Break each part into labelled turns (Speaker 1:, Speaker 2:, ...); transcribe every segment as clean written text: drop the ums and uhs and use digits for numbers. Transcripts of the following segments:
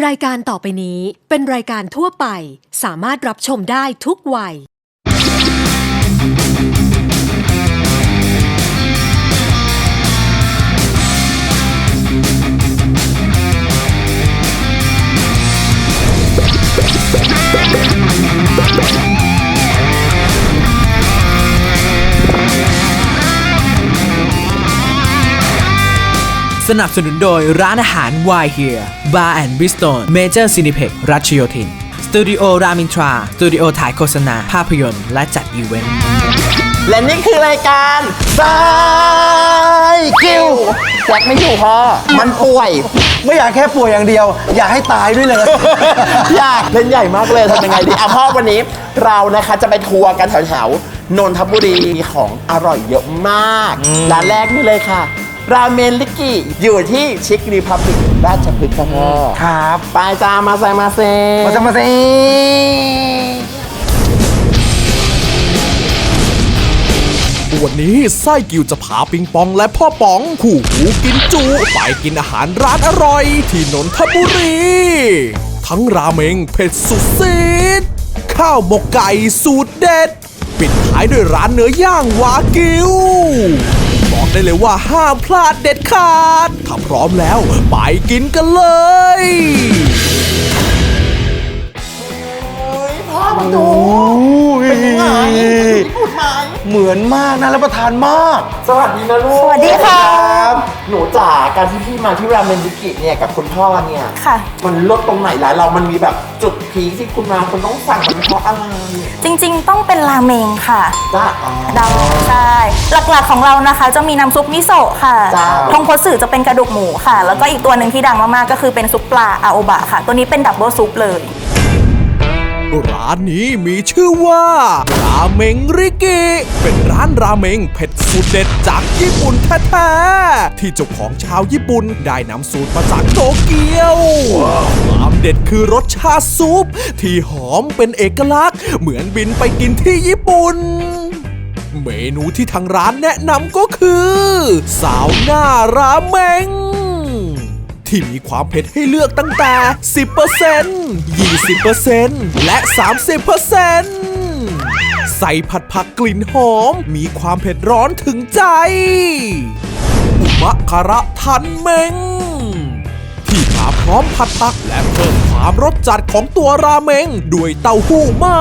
Speaker 1: รายการต่อไปนี้เป็นรายการทั่วไปสามารถรับชมได้ทุกวัย
Speaker 2: สนับสนุนโดยร้านอาหาร Why Here Bar and Bistro Major Cineplex รัชโยธินสตูดิโอรามินทราสตูดิโอถ่ายโฆษณาภาพยนตร์และจัดอีเวนต์
Speaker 3: และนี่คือรายการสายกิวแจ็คไม่อยู่พ่อมันป่วย
Speaker 4: ไม่อยากแค่ป่วยอย่างเดียว อยากให้ตายด้วยเลย
Speaker 3: อยากเล่นใหญ่มากเลยทำยังไงดีพ่อวันนี้เรานะคะจะไปทัวร์กันแถวๆนนทบุรีของอร่อยเยอะมากร้านแรกนี่เลยค่ะราเมนลิกิอยู่ที่ชิครีพับลิกราชพฤกษ์ค่ะพ่อ
Speaker 4: ครับ
Speaker 3: ไปจ้ามาเซ
Speaker 4: มาเซ
Speaker 5: วันนี้ไส้กิวจะพาปิงปองและพ่อป๋องคู่หูกินจุไปกินอาหารร้านอร่อยที่นนทบุรีทั้งราเมงเผ็ดสุดซีดข้าวหมกไก่สูตรเด็ดปิดท้ายด้วยร้านเนื้อย่างวากิวบอกได้เลยว่าห้ามพลาดเด็ดขาดถ้าพร้อมแล้วไปกินกันเลย
Speaker 3: พ่อมาดูเป็นยังไงพูดไหม
Speaker 4: เหมือนมากนะรับประทานมาก
Speaker 3: สวัสดีนะลูก
Speaker 6: สวัสดีค่ะ
Speaker 3: หนูจ๋าการที่พี่มาที่ราเมนลิกิเนี่ยกับคุณพ่อเนี่ย
Speaker 6: ค่ะ
Speaker 3: มันลดตรงไหนร้านเรามันมีแบบจุดพีคที่คุณมาคุณต้องสั่งมันเพราะอะไร
Speaker 6: จริงๆต้องเป็นราเมงค่ะ
Speaker 3: จ้า
Speaker 6: ใช่หลักๆของเรานะคะจะมีน้ำซุปมิโซะค่ะทงคัตสึจะเป็นกระดูกหมูค่ะแล้วก็อีกตัวหนึ่งที่ดังมากๆก็คือเป็นซุปปลาอาโอบะค่ะตัวนี้เป็นดับเบิลซุปเลย
Speaker 5: ร้านนี้มีชื่อว่าราเมงริกิเป็นร้านราเมงเผ็ดสูตรเด็ดจากญี่ปุ่นแท้ๆที่เจ้าของชาวญี่ปุ่นได้นำสูตรมาจากโตเกียวความเด็ดคือรสชาติซุปที่หอมเป็นเอกลักษณ์เหมือนบินไปกินที่ญี่ปุ่นเมนูที่ทางร้านแนะนำก็คือซาวน่าราเมงที่มีความเผ็ดให้เลือกตั้งแต่ 10% 20% และ 30% ใส่ผัดผักกลิ่นหอมมีความเผ็ดร้อนถึงใจอุมะคาระทันเมงที่มาพร้อมผัดผักและเพิ่มความรสจัดของตัวราเมงด้วยเต้าหู้มา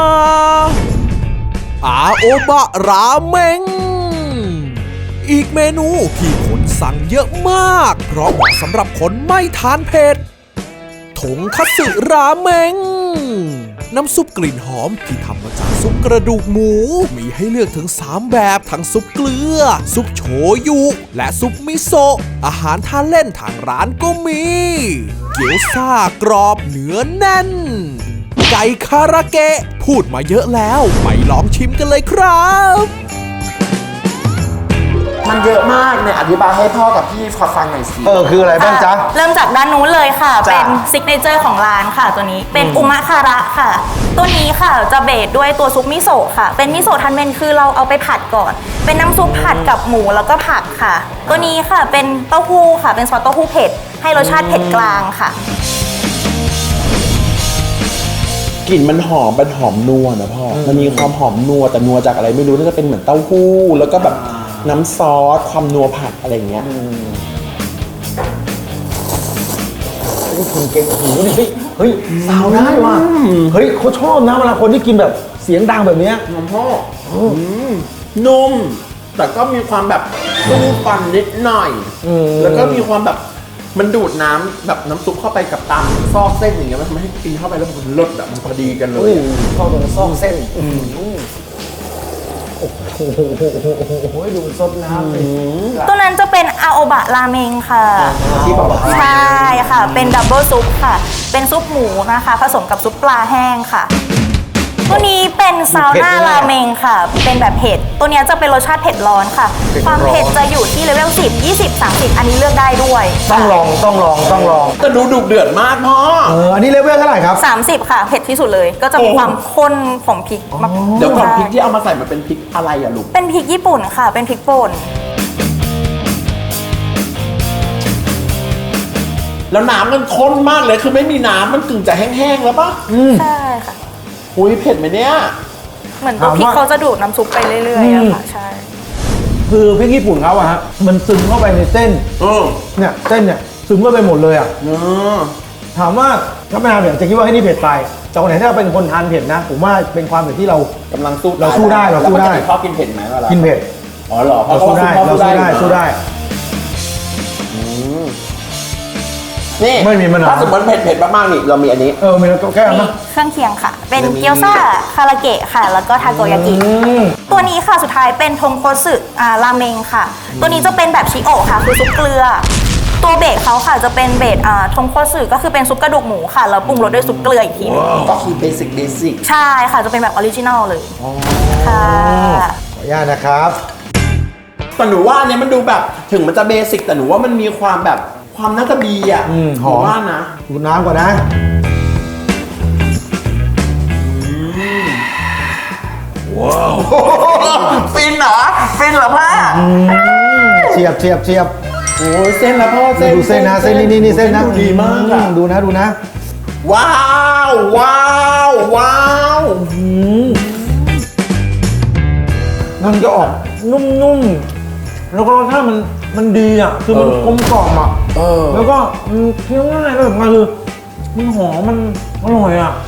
Speaker 5: อาโอบะราเมงอีกเมนูที่คนสั่งเยอะมากเพราะเหมาะสำหรับคนไม่ทานเผ็ดทงคัตสึราเมงน้ำซุปกลิ่นหอมที่ทำมาจากซุปกระดูกหมูมีให้เลือกถึง3แบบทั้งซุปเกลือซุปโชยุและซุปมิโซะอาหารทานเล่นทางร้านก็มีเกี๊ยวซ่ากรอบเนื้อแน่นไก่คาราเกะพูดมาเยอะแล้วไปลองชิมกันเลยครับ
Speaker 3: มันเยอะมากเนี่ยอธิบายให้พ่อกับพี่ฟังหน่อยสิ
Speaker 4: คืออะไรบ้างจ๊ะ
Speaker 6: เริ่มจากด้านนู้นเลยค่ะเป็นซิกเนเจอร์ของร้านค่ะตัวนี้เป็นอุมะคาระค่ะตัวนี้ค่ะจะเบสด้วยตัวซุปมิโซะค่ะเป็นมิโซะทันเมนคือเราเอาไปผัดก่อนเป็นน้ำซุปผัดกับหมูแล้วก็ผักค่ะตัวนี้ค่ะเป็นเต้าหู้ค่ะเป็นซอสเต้าหู้เผ็ดให้รสชาติเผ็ดกลางค่ะ
Speaker 3: กลิ่นมันหอมนัวนะพ่อมันมีความหอมนัวแต่นัวจากอะไรไม่รู้น่าจะเป็นเหมือนเต้าหู้แล้วก็แบบน้ำซอสความนัวผัดอะไรเงี้ย
Speaker 4: คุณเก่งหูนี่เฮ้ยสาวได้ว่ะเฮ้ยเขาชอบนะเวลาคนที่กินแบบเสียงดังแบบนี้
Speaker 3: น้ำพ่อนุ่มแต่ก็มีความแบบสู้ฟันนิดหน่อยแล้วก็มีความแบบมันดูดน้ำแบบน้ำซุปเข้าไปกับตามซอกเส้นอย่างเงี้ยมันทำให้กินเข้าไปแล้วมันรสแบบมันพอดีกันเลย
Speaker 4: เข้าตรงซอกเส้นโอ้โหดูซดน้ำ
Speaker 6: ตัวนั้นจะเป็นอาโอบะราเมงค่ะ
Speaker 3: ที่บอกว่า
Speaker 6: ใช่ค่ะเป็นดับเบิลซุปค่ะเป็นซุปหมูนะคะผสมกับซุปปลาแห้งค่ะตัวนี้เป็นซาวน่าราเมงค่ะเป็นแบบเผ็ดตัวนี้จะเป็นรสชาติเผ็ดร้อนค่ะความเผ็ดจะอยู่ที่เลเวล10 20 30อันนี้เลือกได้ด้วย
Speaker 4: ต้องลอง
Speaker 3: แต่ดูดุเดือดมากพ่อ
Speaker 4: อันนี้เลเวลเท่าไหร่ครับ
Speaker 6: 30ค่ะเผ็ดที่สุดเลยก็จะมีความข้นของพริกมาก
Speaker 3: เดี๋ยวก่อนพริกที่เอามาใส่มันเป็นพริกอะไรอะลูก
Speaker 6: เป็นพริกญี่ปุ่นค่ะเป็นพริกป่น
Speaker 3: แล้วน้ำมันข้นมากเลยคือไม่มีน้ำมันกึ่งจะแห้งๆแล้วปะ
Speaker 6: ใช่ค่ะ
Speaker 3: อุ้ยเผ็ดไหมเนี่ย
Speaker 6: เหมือนตัวพริกเขาจะดูดน้ำซุปไปเรื่อยๆอะค่ะใช่
Speaker 4: คือพริกญี่ปุ่นเขาอะฮะมันซึมเข้าไปในเส้นเนี่ยเส้นเนี่ยซึมเข้าไปหมดเลยอะถามว่าถ้าไม่ทานเผ็ดจะคิดว่าให้นี่เผ็ดไปแต่คนไหนถ้าเป็นคนทานเผ็ดนะผมว่าเป็นความเผ็ดที่เรา
Speaker 3: กำลังสู้
Speaker 4: เราสู้ได้เราสู้ได้
Speaker 3: แล้วปกติชอบกินเผ็ดไหมเวลา
Speaker 4: กินเผ็ด
Speaker 3: อ๋อเหรอเพ
Speaker 4: เรา
Speaker 3: ราะ
Speaker 4: สู้ได้
Speaker 3: เขา
Speaker 4: เราสู้ได้
Speaker 3: อยู่
Speaker 4: สู้ได้
Speaker 3: นี่
Speaker 4: ไม่มีมะนาว
Speaker 3: ถ้าสมมติเผ็ดมากๆนี่เรามีอันนี้
Speaker 4: มีแค่นั้น
Speaker 6: มี
Speaker 4: นะ
Speaker 6: เครื่องเคียงค่ะ เป็น
Speaker 3: แล้วมี
Speaker 6: เกี๊ยวซ่าคาราเกะค่ะ แล้วก็ทาโกยากิ ตัวนี้ค่ะสุดท้ายเป็นทงโคสึราเมงค่ะ ตัวนี้จะเป็นแบบชิโอะค่ะ คือซุปเกลือ ตัวเบสเขาค่ะจะเป็นเบสทงโคสึก็คือเป็นซุปกระดูกหมูค่ะ แล้วปรุงรสด้วยซุปเกลืออีกทีหนึง
Speaker 3: ก็คือเบสิก
Speaker 6: ใช่ค่ะจะเป็นแบบออริจินัลเลยค่ะ
Speaker 4: ขออนุญาตนะครับ
Speaker 3: แต่หนูว่าอันเนี้ยมันดูแบบถึงมันจะเบสิกแต่หนูว่ามันมีความแบบความน่าจะดีอ่ะ
Speaker 4: หอม
Speaker 3: นูว่านะ
Speaker 4: ดูดน้ำก่อนนะ
Speaker 3: ฟินเหรอพ่อ
Speaker 4: เฉียบเฉียบเฉียบ
Speaker 3: โอ้ยเส้นละพ่อเส้น
Speaker 4: ดูเส้นนะเส้นนี่เส้นนะ
Speaker 3: ดูดีมากอะ
Speaker 4: ดูนะ
Speaker 3: ว้าว
Speaker 4: มันจะออกนุ่มๆแล้วก็รสชาติมันดีอ่ะคือมันกลมกล่อมอ่ะแล้วก็มันเคี้ยวง่ายแล้วสำคัญคือมันหอมมันอร่อยอ่ะ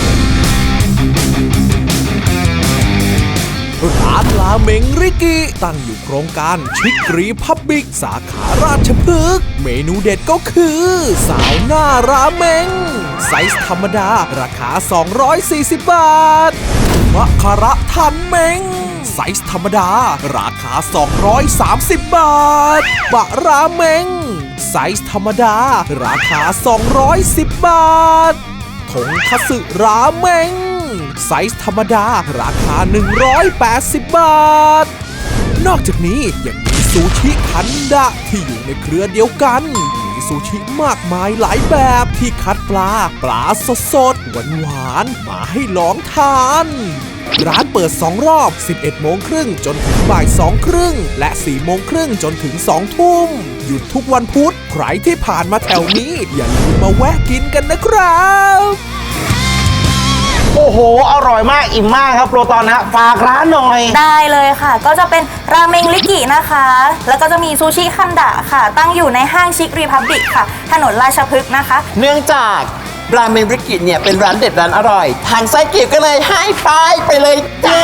Speaker 5: ร้านราเมงริกิตั้งอยู่โครงการชิครีพับบิกสาขาราชพฤกษ์เมนูเด็ดก็คือสาวหน้าราเมงไซส์ธรรมดาราคา 240 บาทมะคาระทันเมงไซส์ธรรมดาราคา 230 บาทบะราเมงไซส์ธรรมดาราคา 210 บาททงคัตสึราเมงไซส์ธรรมดาราคา 180 บาท นอกจากนี้ยังมีซูชิคันดะที่อยู่ในเครือเดียวกัน มีซูชิมากมายหลายแบบที่คัดปลาสดๆหวานๆมาให้ลองทาน ร้านเปิด 2 รอบ 11 โมงครึ่งจนถึงบ่าย 2 ครึ่ง และ 4 โมงครึ่งจนถึง 2 ทุ่ม หยุดทุกวันพุธ ใครที่ผ่านมาแถวนี้ อย่าลืมมาแวะกินกันนะครับ
Speaker 4: โอ้โหอร่อยมากอิ่มมากครับโปรตอนฮะฝากร้านหน่อย
Speaker 6: ได้เลยค่ะ ก็จะเป็นราเมงริกินะคะ แล้วก็จะมีซูชิคันดะค่ะ ตั้งอยู่ในห้างชิครีพับบิกค่ะ ถนนราชพฤกษ์นะคะ
Speaker 3: เนื่องจากราเมงริกิเนี่ยเป็นร้านเด็ดร้านอร่อย ทางไส้เกียบก็เลยให้ไปเลยจ้า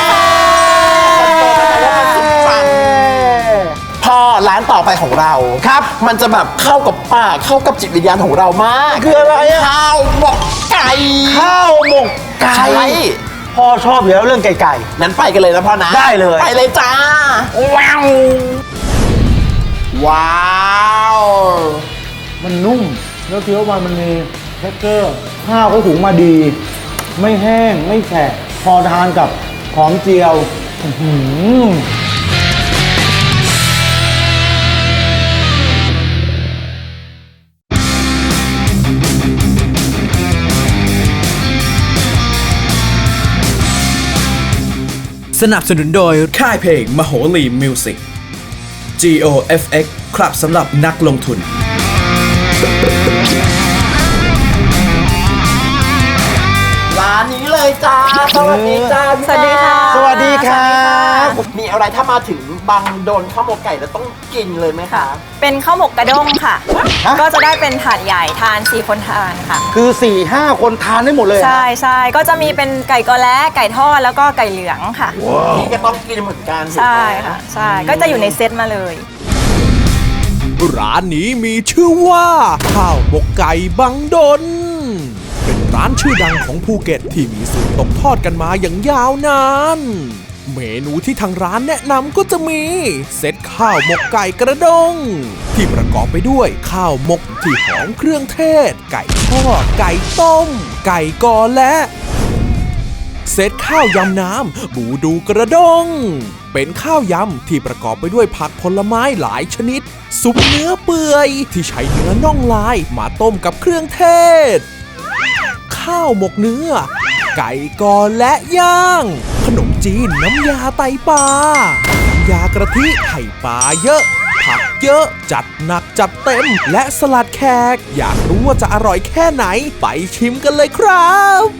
Speaker 3: พอร้านต่อไปของเราครับ มันจะแบบเข้ากับปากเข้ากับจิตวิญญาณของเรามาก
Speaker 4: คืออะไรอะ
Speaker 3: ข้าวหมกไก่
Speaker 4: ข้าวหมกไก่
Speaker 3: ใช่
Speaker 4: พ่อชอบอยู่แล้วเรื่องไก่
Speaker 3: นั้นไปกันเลยนะพ่อนะ
Speaker 4: ได้เลย
Speaker 3: ไปเลยจ้าว้าวว้าว
Speaker 4: มันนุ่มแล้วเคี้ยวมันมีเท็กเจอร์ข้าวเขาถุงมาดี ไม่แห้งไม่แฉะพอทานกับหอมเจียวอื้อหือ
Speaker 2: สนับสนุนโดยค่ายเพลงมโหรีมิวสิก GOFX ครับสำหรับนักลงทุน
Speaker 3: ร้านนี้เลยจ้า สวัสดีจ้าพี่
Speaker 6: สวัสดีค่ะ
Speaker 4: สวัสดีครับ
Speaker 3: มีอะไรถ้ามาถึงบางโดนข้าวหมกไก่แล้วต้องกินเลยไหมคะ
Speaker 7: เป็นข้าวหมกกระด้งค่ะ ก็จะได้เป็นถาดใหญ่ทาน 4 คนทานค่ะ
Speaker 4: คือ 4-5 คนทานได้หมดเลย
Speaker 7: ใช่ก็จะมีเป็นไก่กอแล้ไก่ทอดแล้วก็ไก่เหลืองค่ะ
Speaker 3: นี่ก็ต้องกินเหมือนกัน
Speaker 7: ใช่ค่ะ ใช่ ก็จะอยู่ในเซตมาเลย
Speaker 5: ร้านนี้มีชื่อว่าข้าวหมกไก่บังดน เป็นร้านชื่อดังของภูเก็ตที่มีสูตรตกทอดกันมาอย่างยาวนาน เมนูที่ทางร้านแนะนำก็จะมีเซตข้าวหมกไก่กระด้งที่ประกอบไปด้วยข้าวหมกที่หอมเครื่องเทศ ไก่ทอดไก่ต้ม ไก่กอและเซตข้าวยำน้ำบูดูกระด้งเป็นข้าวยำที่ประกอบไปด้วยผักผลไม้หลายชนิด ซุปเนื้อเปื่อยที่ใช้เนื้อน่องลายมาต้มกับเครื่องเทศ ข้าวหมกเนื้อ ไก่กอและย่าง ขนมจีนน้ำยาไตปลาน้ำยากระทิไข่ปลาเยอะผักเยอะจัดหนักจัดเต็มและสลัดแขกอยากรู้ว่าจะอร่อยแค่ไหนไปชิมกันเลยครับ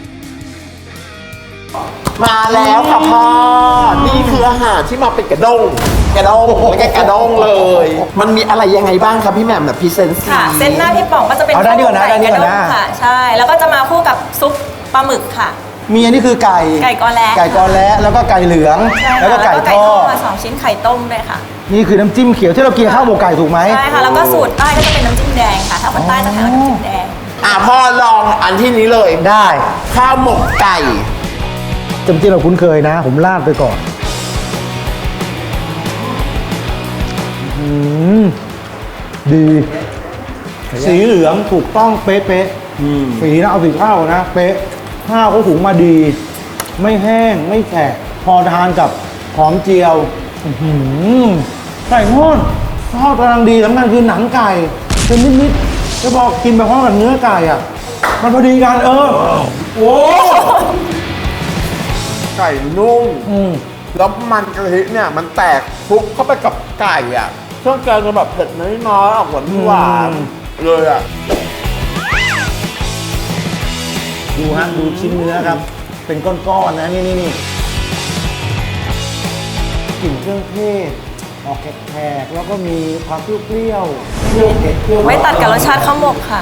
Speaker 3: มาแล้วค่ะพ่อ นี่คืออาหารที่มาเป็นกระด้งแล้วก็กระด้งเลย มันมีอะไรยังไงบ้างครับพี่แหม่มแบบพรีเซนต์
Speaker 7: ค่ะ เส้นหน้าพี่ป๋องก็จะเป็น
Speaker 4: เอาได้ดีกว่านะ
Speaker 7: ข้าวหม
Speaker 4: ได้ดีกว่านะ
Speaker 7: ไก่ระด้งค่ะ ใช่ แล้วก็จะมาคู่กับซุปปลาหมึกค่ะ
Speaker 4: มีอันนี้คือไก่
Speaker 7: ไก่กอแล
Speaker 4: ไก่กอแล้แล้วก็ไก่เหลือง
Speaker 7: ใช่ค่ะ
Speaker 4: แล้วก็ไก่ทอด
Speaker 7: มา2ชิ้นไข่ต้มด้วยค่ะ
Speaker 4: นี่คือน้ำจิ้มเขียวที่เรากินกับข้าวหมกไก่ถูกไหม
Speaker 7: ใช่ค่ะ แล้วก็สูตรใต้ก็จะเป็นน้ำจิ้มแดงค่ะ ถ้าคนใต้จะทานน้ำจิ้มแดง
Speaker 3: พ่อลองอันที่นี้เลย
Speaker 4: ได้
Speaker 3: ข้าวหมกไก่
Speaker 4: จำที่เราคุ้นเคยนะ ผมราดไปก่อนดี สีเหลืองถูกต้องเป๊ะๆสีนะเอาสีข้าวนะ เป๊ะข้าวเขาหุงมาดี ไม่แห้งไม่แฉะพอทานกับหอมเจียวไก่ทอดกำลังดีสำคัญคือหนังไก่เป็นนิดๆแล้วพอกินไปพร้อมกับเนื้อไก่อ่ะ มันพอดีกันโอ้
Speaker 3: ไก่นุ่ม แล้วมันกะทิเนี่ยมันแตกคลุกเข้าไปกับไก่อ่ะเครื่องแกงจะแบบเผ็ดน้อยๆออกหวานๆเลยอ่ะ
Speaker 4: ดูฮะดูชิ้นเนื้อครับ เป็นก้อนๆนะนี่กลิ่นเครื่องเทศออกแขกๆแล้วก็มีความเปรี้ยวเผ็ดเปรี้ยว
Speaker 7: ไว้ตัดกับรสชาติข้าวหมกค่ะ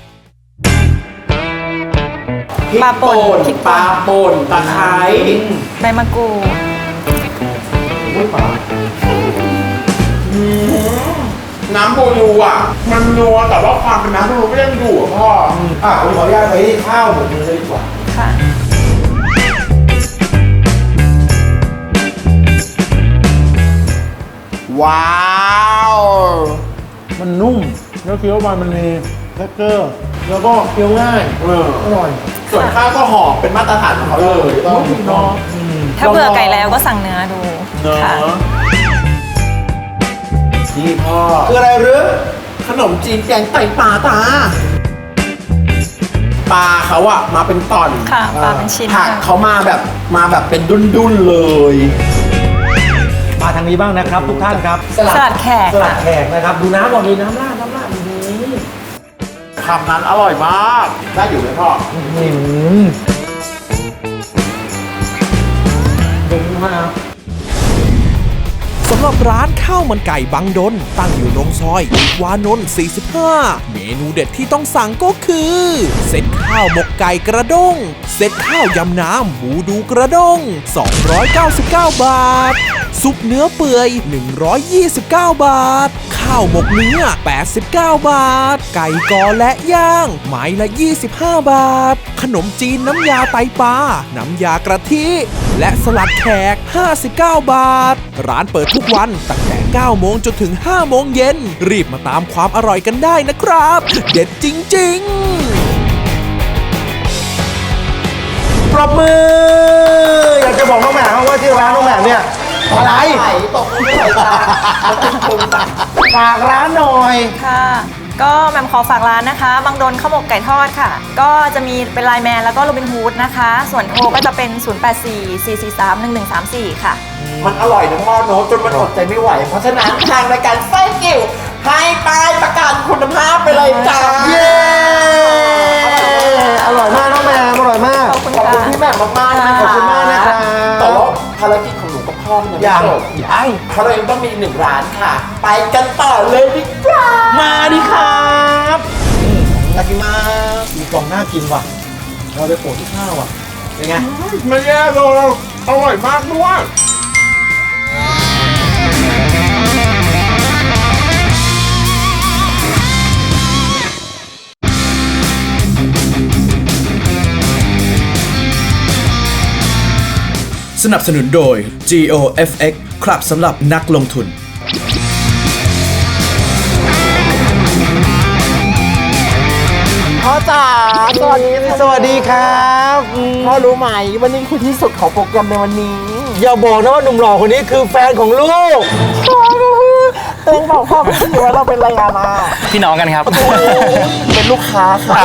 Speaker 7: ปลาป่นพริกป่น
Speaker 3: ตะไคร้
Speaker 7: ใบมะกรูด
Speaker 3: น้ำโบยูอ่ะ มันนัวแต่ว่าความเป็นน้ำโบยูก็ยังอยู่อ่ะพ่อ
Speaker 4: ผมขออนุญาตไปที่ข้าวหมกมือเลยดีกว่า
Speaker 7: ค่ะ
Speaker 3: ว้าว
Speaker 4: มันนุ่มแล้วเคี้ยวไปมันมีเท็กเจอร์แล้วก็เคี้ยวง่ายอร่อย
Speaker 3: ส่วนข้าวก็หอมเป็นมาตรฐานของเขาเลยต้อง
Speaker 4: เนาะ
Speaker 7: ถ้าเบื่อไก่แล้วก็สั่งเนื้อดู
Speaker 3: เน
Speaker 7: ค่ะ
Speaker 3: อะนี่พ่อ
Speaker 4: คืออะไรหรือ
Speaker 3: ขนมจีนแกงไตปลาตา ปลาเขาอะมาเป็นตอน
Speaker 7: ค่ะปลาเป็นชิ้น
Speaker 3: ผัก
Speaker 7: ค่ะ
Speaker 3: เขามาแบบเป็นดุนๆเลย
Speaker 4: มาทางนี้บ้างนะครับทุกท่านครับ
Speaker 7: สลัดแขก
Speaker 4: สลัด
Speaker 7: ค่ะ
Speaker 4: แขกนะครับ ดูน้ำก่อนดีน้ำราดดี
Speaker 3: คำนั้นอร่อยมาก ได้อยู่ไหมพ่อ
Speaker 4: ผมมาก
Speaker 5: สำหรับร้านข้าวมันไก่บางดนตั้งอยู่ตรงซอยติวานนท์ 45 เมนูเด็ดที่ต้องสั่งก็คือ เซตข้าวหมกไก่กระด้ง เซตข้าวยำน้ำบูดูกระด้ง 299 บาท ซุปเนื้อเปื่อย 129 บาท ข้าวหมกเนื้อ 89 บาท ไก่กอและย่าง ไม้ละ 25 บาท ขนมจีนน้ำยาไตปลา น้ำยากระทิ และสลัดแขก 59 บาท ร้านเปิดทุกวันตั้งแต่ 9 โมงจนถึง 5 โมงเย็น รีบมาตามความอร่อยกันได้นะครับ เด็ดจริง ๆ
Speaker 4: ปรบมือ อยากจะบอกน้องแหม่มว่าที่ร้านน้องแหม่มเนี่ยอะไร
Speaker 3: ตกมือไหลตาปรุงต่าง
Speaker 4: ฝากร้านหน่อย
Speaker 7: ค่ะ ก็แหม่มขอฝากร้านนะคะ บางดนข้าวหมกไก่ทอดค่ะ ก็จะมีเป็นไลน์แมนแล้วก็โรบินฮูดนะคะ ส่วนโทรก็จะเป็น 0844431134 ค่ะ
Speaker 3: มันอร่อยนะพ่อโน้ตจนมันอดใจไม่ไหว เพราะฉะนั้นทางรายการไส้กิ่วให้ป้ายประกันคุณภาพไปเลยจ้า
Speaker 4: เย้ อร่อยมากน้องแหม่มอร่อยมาก
Speaker 7: ขอบคุณ
Speaker 3: ขอบ
Speaker 7: ค่ะ
Speaker 3: คุณพี่แหม่มมากๆนะ
Speaker 4: ขอบคุณมากนะครับ
Speaker 3: แต่ว่าภารกิจของหนูกับพ่อมันยังไม่จบ
Speaker 4: ยัง
Speaker 3: เพราะเรายังต้องมีอีกหนึ่งร้านค่ะ ไปกันต่อเลยดีกว่า
Speaker 4: มาดิครับอยากกินมากมีกล่องน่ากินว่ะ เราไปโปะที่ข้าวอ่ะ เป็นไง
Speaker 3: ไม่แย่เลยอร่อยมากด้วย
Speaker 2: สนับสนุนโดย GOFX ครับสำหรับนักลงทุน
Speaker 3: พ่อจ๋าสวัสดี
Speaker 4: สวัสดีครับ
Speaker 3: พ่อรู้ไหมวันนี้คือที่สุดของโปรแกรมในวันนี้
Speaker 4: อย่าบอกนะว่าหนุ่มหล่อคนนี้คือแฟนของลูก
Speaker 3: เต็งบอกพ่อไม่รู้ว่าเราเป็นอะไรกันมา
Speaker 8: พี่น้องกันครับ
Speaker 3: เป็นลูกค้าค่ะ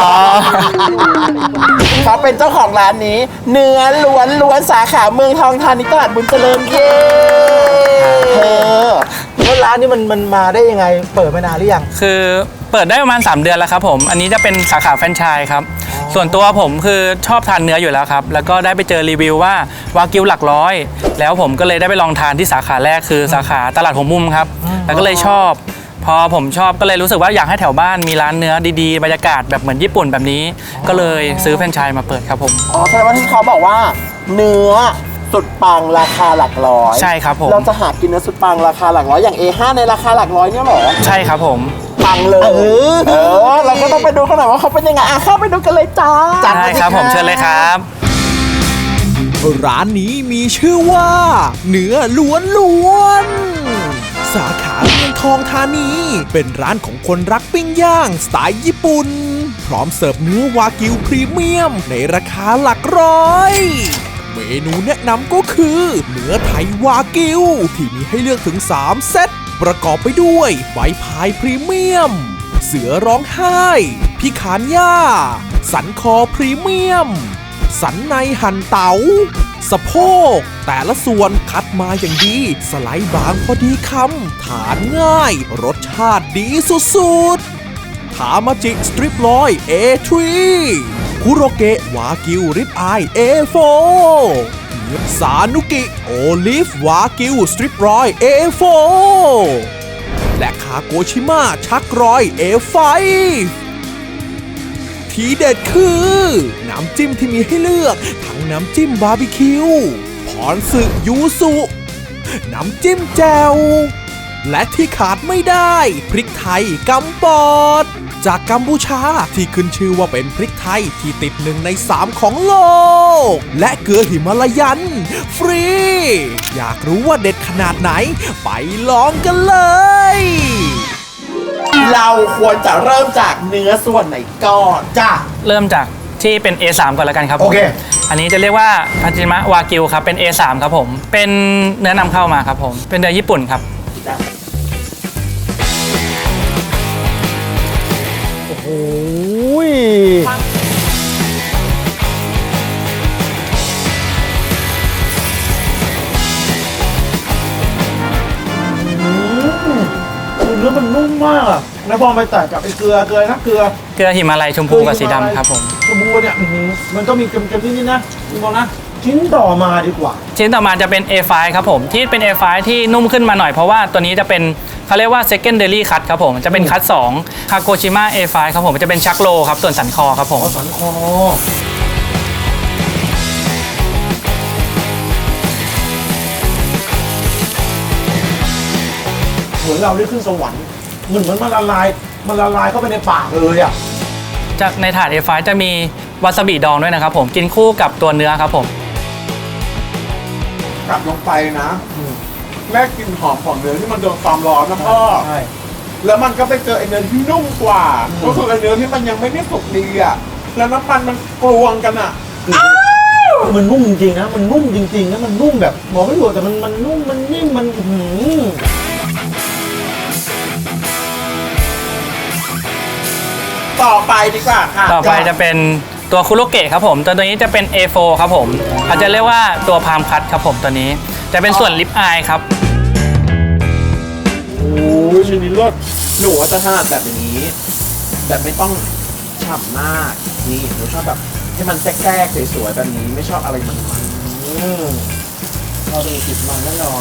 Speaker 3: เขาเป็นเจ้าของร้านนี้ เนื้อล้วนสาขาเมืองทองธานีตลาดบุญเจริญเย้เธอ
Speaker 4: แล้วร้านนี้มันมาได้ยังไงเปิดมานานหรือยัง
Speaker 8: คือเปิดได้ประมาณ 3 เดือนแล้วครับผม อันนี้จะเป็นสาขาแฟรนไชส์ครับ ส่วนตัวผมคือชอบทานเนื้ออยู่แล้วครับ แล้วก็ได้ไปเจอรีวิวว่าวากิวหลักร้อย แล้วผมก็เลยได้ไปลองทานที่สาขาแรกคือสาขาตลาดหัวมุมครับ แล้วก็เลยชอบ พอผมชอบก็เลยรู้สึกว่าอยากให้แถวบ้านมีร้านเนื้อดีๆบรรยากาศแบบเหมือนญี่ปุ่นแบบนี้ ก็เลยซื้อแฟรนไชส์มาเปิดครับผม
Speaker 3: อ๋อใช่ว่าที่เขาบอกว่า เนื้อสุดปังราคาหลักร้อย
Speaker 8: ใช่ครับผม
Speaker 3: เราจะหากินเนื้อสุดปังราคาหลักร้อยอย่าง A5 ในราคาหลักร้อยเนี่ยเหรอ
Speaker 8: ใช่ครับผม
Speaker 3: ปังเลยเราก็ต้องไปดูกันหน่อยว่าเขาเป็นยังไงเข้าไปดูกันเลยจ้า
Speaker 8: ใช่ครับผมเชิญเลยครับ
Speaker 5: ร้านนี้มีชื่อว่า เนื้อล้วนๆ สาขาเมืองทองธานี เป็นร้านของคนรักปิ้งย่างสไตล์ญี่ปุ่น พร้อมเสิร์ฟเนื้อวากิวพรีเมียมในราคาหลักร้อย เมนูแนะนำก็คือ เนื้อไทยวากิว ที่มีให้เลือกถึง 3 เซต ประกอบไปด้วยใบพายพรีเมียม เสือร้องไห้ พิขานย่า สันคอพรีเมียม สันในหั่นเตา๋าสะโพกแต่ละส่วนคัดมาอย่างดี สไลด์บางพอดีคำทานง่าย รสชาติดีสุดๆทามาจิสตริปลอย A3 คุโรเกะวากิวริบอาย A4 ซานุกิโอลิฟวากิวสตริปรอย A4 และคาโกชิมะชักรอย A5 ทีเด็ดคือ น้ำจิ้มที่มีให้เลือกทั้งน้ำจิ้มบาร์บีคิวพรสึยูสุน้ำจิ้มแจ่วและที่ขาดไม่ได้พริกไทยกัมปอดจากกัมพูชาที่ขึ้นชื่อว่าเป็นพริกไทยที่ติด1 ใน 3ของโลกและเกลือหิมาลายันฟรี อยากรู้ว่าเด็ดขนาดไหนไปลองกันเลย
Speaker 3: เราควรจะเริ่มจากเนื้อส่วนไหนก่อนจ้า
Speaker 8: เริ่มจากที่เป็น A3 ก่อนแล้วกันครับผม
Speaker 4: โอเค
Speaker 8: อันนี้จะเรียกว่าทาจิมะวากิวครับ เป็น A3 ครับผม เป็นเนื้อนำเข้ามาครับผม เป็นเนื้อญี่ปุ่นครับ
Speaker 4: โอ้ยเนื้อมันนุ่มมากอะแล้วพอไปแตะกับไอ้เกลือนะเกลือ
Speaker 8: เกลือหิมาลัยชมพูกับสีดำครับผม
Speaker 4: ชมพูเนี่ยมันก็มีเค็มๆนิดๆนะคุณบอกนะชิ้นต่อมาดีกว่า
Speaker 8: ชิ้นต่อมาจะเป็น A5 ครับผม ที่เป็น A5 ที่นุ่มขึ้นมาหน่อยเพราะว่าตัวนี้จะเป็นเขาเรียกว่า secondary cut ครับผม จะเป็นคัต2คาโกชิมะ A5 ครับผม จะเป็นชักโลครับ ส่วนสันคอครับผม
Speaker 4: สันคอเหมือนเราได้ขึ้นสวรรค์เหมือนมันละลายเข้าไปในปากเลยอ่ะ
Speaker 8: จากในถาด A5 จะมีวาซาบิดองด้วยนะครับผม กินคู่กับตัวเนื้อครับผม
Speaker 3: กลับลงไปนะแรกกลิ่นหอมของเนื้อที่มันโดนความร้อนนะพ่อ
Speaker 4: ใช่
Speaker 3: แล้วมันก็ไปเจอไอ้เนื้อที่นุ่มกว่า ก็คือไอ้เนื้อที่มันยังไม่ได้สุกดีอ่ะ แล้วน้ำมันกลวงกันอ่ะ
Speaker 4: มันนุ่มจริงๆนะมันนุ่มจริงๆนะมันนุ่มแบบบอกไม่ถูกแต่มันนุ่มมันนิ่มมัน
Speaker 3: ต่อไปดีกว่าค่ะ
Speaker 8: ต่อไปจะเป็นตัวคุโรเกะครับผม ตัวนี้จะเป็น A4 ครับผมอาจจะเรียกว่าตัวพามคัตครับผมตัวนี้ จะเป็นส่วนลิปอายครับ
Speaker 3: โอ้ยชิ้นนี้เลิศหนูว่าจะถนัดแบบนี้ แบบไม่ต้องฉ่ำมาก นี่หนูชอบแบบให้มันแทรกๆสวยๆแบบนี้ไม่ชอบอะไรมันเราดูติดมันนิดหน่อย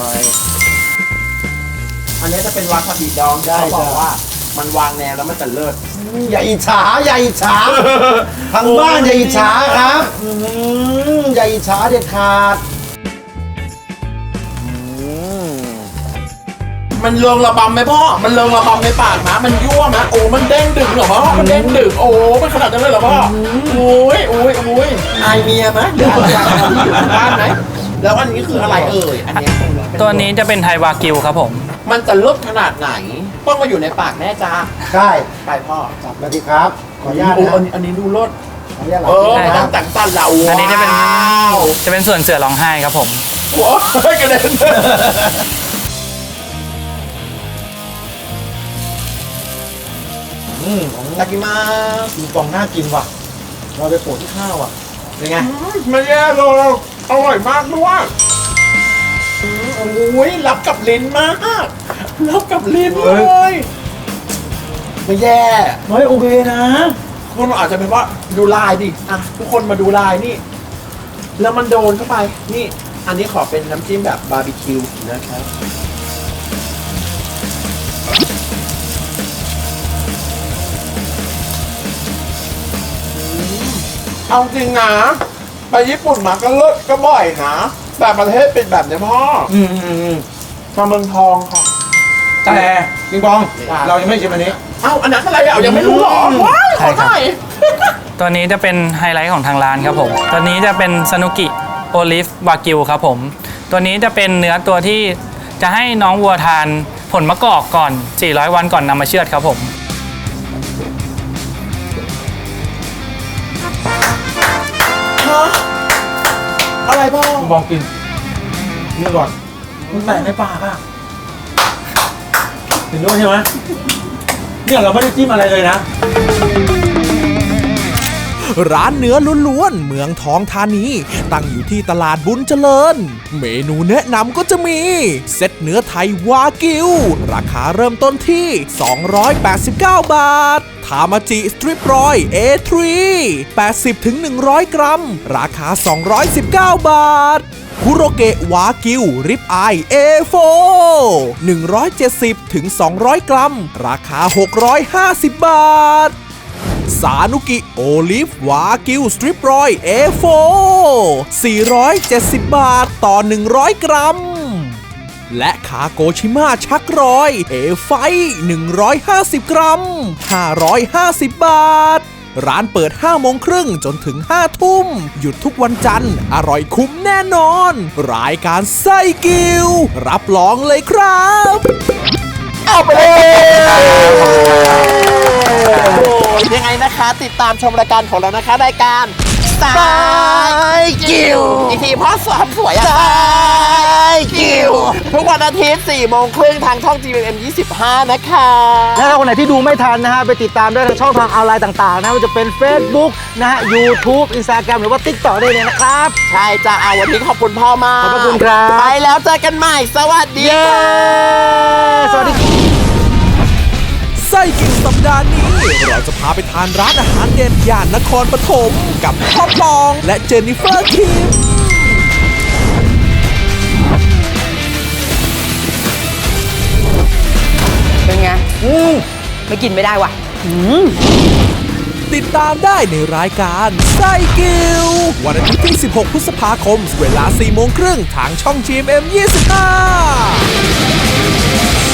Speaker 3: อันนี้จะเป็นวาซาบิดองเขาบอกว่ามันวางแนวแล้วมันจะเลิศ
Speaker 4: อย่าอิจฉาทางบ้านอย่าอิจฉาครับอย่าอิจฉาเด็ดขาด
Speaker 3: มันเริงระบำไหมพ่อ มันเริงระบำในปากนะมันยั่วนะโอ้มันเด้งดึงเหรอพ่อ มันเด้งดึงโอ้มันขนาดนั้นเลยเหรอพ่อโอ้ยอายเมียไหมหรืออะไรอยู่บ้านไหมแล้วอันนี้คืออะไรเอ่ยอันนี้
Speaker 8: ตัวนี้จะเป็นไทยวากิวครับผม
Speaker 3: มันจะเลิศขนาดไหน ต้องมาอยู่ในปากแม่จ้า
Speaker 4: ใช่
Speaker 3: ไปพ่อ
Speaker 4: จับมาดีครับ ขออนุญาต
Speaker 3: โอ้
Speaker 4: นะ
Speaker 3: อันนี้ดูรส
Speaker 4: ขออนุญาตหลั
Speaker 3: ไม่ต้องแต่งตั้นละ
Speaker 8: อันนี้จะเป็น
Speaker 3: ว้าว
Speaker 8: จะเป็นส่วนเสือร้องไห้ครับผม
Speaker 3: โอ้ยกระเด็นตากิมา
Speaker 4: ดูกล่องน่ากินว่ะ เราไปโปะที่ข้าวอ่ะ
Speaker 3: เป็นไงไม่แย่เลยอร่อยมากด้วยโอ้ยรับกับลิ้นมากแล้วกับลิ้นเล
Speaker 4: เฮ้
Speaker 3: ย ไม่แย่
Speaker 4: เฮ้ยโอเคนะ
Speaker 3: คุณอาจจะเป็นว่าดูลายดิอ่ะทุกคนมาดูลายนี่ แล้วมันโดนเข้าไปนี่ อันนี้ขอเป็นน้ำจิ้มแบบบาร์บีคิวนะครับเอาจริงนะไปญี่ปุ่นมาก็เลิศก็บ่อยนะแต่ประเทศเป็นแบบนี้พ่อมาเมืองทองค่ะ
Speaker 4: แต่ปิงปอง เรายังไม่ชิมอันนี้
Speaker 3: เอ้าอันนั้นอะไรอ่ะยังไม่รู้หรอว้ายขอหน่อย
Speaker 8: ตัวนี้จะเป็นไฮไลท์ของทางร้านครับผม ตัวนี้จะเป็นซานุกิโอลิฟวากิวครับผม ตัวนี้จะเป็นเนื้อตัวที่จะให้น้องวัวทานผลมะกอกก่อน 400 วันก่อนนำมาเชือดครับผม
Speaker 3: อะไรพ่อ
Speaker 4: ปิงปองกินนี่ก่อน มันแตกในปากอ่ะเห็นด้วยใช่ไหมเนี่ยเราไม่ได้จิ้มอะไรเลยนะ
Speaker 5: ร้านเนื้อล้วนๆเมืองทองธานีตั้งอยู่ที่ตลาดบุญเจริญ เมนูแนะนำก็จะมีเซตเนื้อไทยวากิวราคาเริ่มต้นที่ 289 บาททามาจิสตริปรอย A3 80-100 กรัมราคา 219 บาทคุโรเกะวากิวริบอาย A4 170-200 กรัมราคา 650 บาทสานุกิโอลิฟวากิวสตริปรอย A4 470 บาทต่อ 100 กรัม และคาโกชิมาชักรอย A5 150 กรัม 550 บาท ร้านเปิด 5 โมงครึ่งจนถึง 5 ทุ่ม หยุดทุกวันจันทร์ อร่อยคุ้มแน่นอน รายการไส้กิว รับรองเลยครับ
Speaker 3: เอาไปเลยยังไงนะคะ ติดตามชมรายการของเรานะคะรายการสายกิวอีกทีพ่อสอนสวยอะสายกิวทุกวันอาทิตย์4 โมงครึ่งทางช่อง GMM 25 นะคะ
Speaker 4: และถ้าคนไหนที่ดูไม่ทันนะฮะ ไปติดตามได้ทางช่องทางออนไลน์ต่างๆ นะว่าจะเป็น Facebook นะฮะ YouTube Instagram หรือว่า TikTok ได้เลยนะครับ
Speaker 3: ใช่จ้าเอาวันนี้ขอบคุณพ่อมาก
Speaker 4: ขอบพระคุณครับ
Speaker 3: ไปแล้วเจอกันใหม่ สวัสดีค่ะ
Speaker 4: สวัสดี
Speaker 5: ไส้กินสัปดาห์นี้ เราจะพาไปทานร้านอาหารเด็ดย่านนครปฐมกับพ่อปองและเจนนิเฟอร์คิม
Speaker 9: เป็นไงไม่กินไม่ได้ว่ะ
Speaker 5: ติดตามได้ในรายการไส้กิววันอาทิตย์ที่ 16 พฤษภาคม เวลา 4 โมงครึ่งทางช่อง GMM 25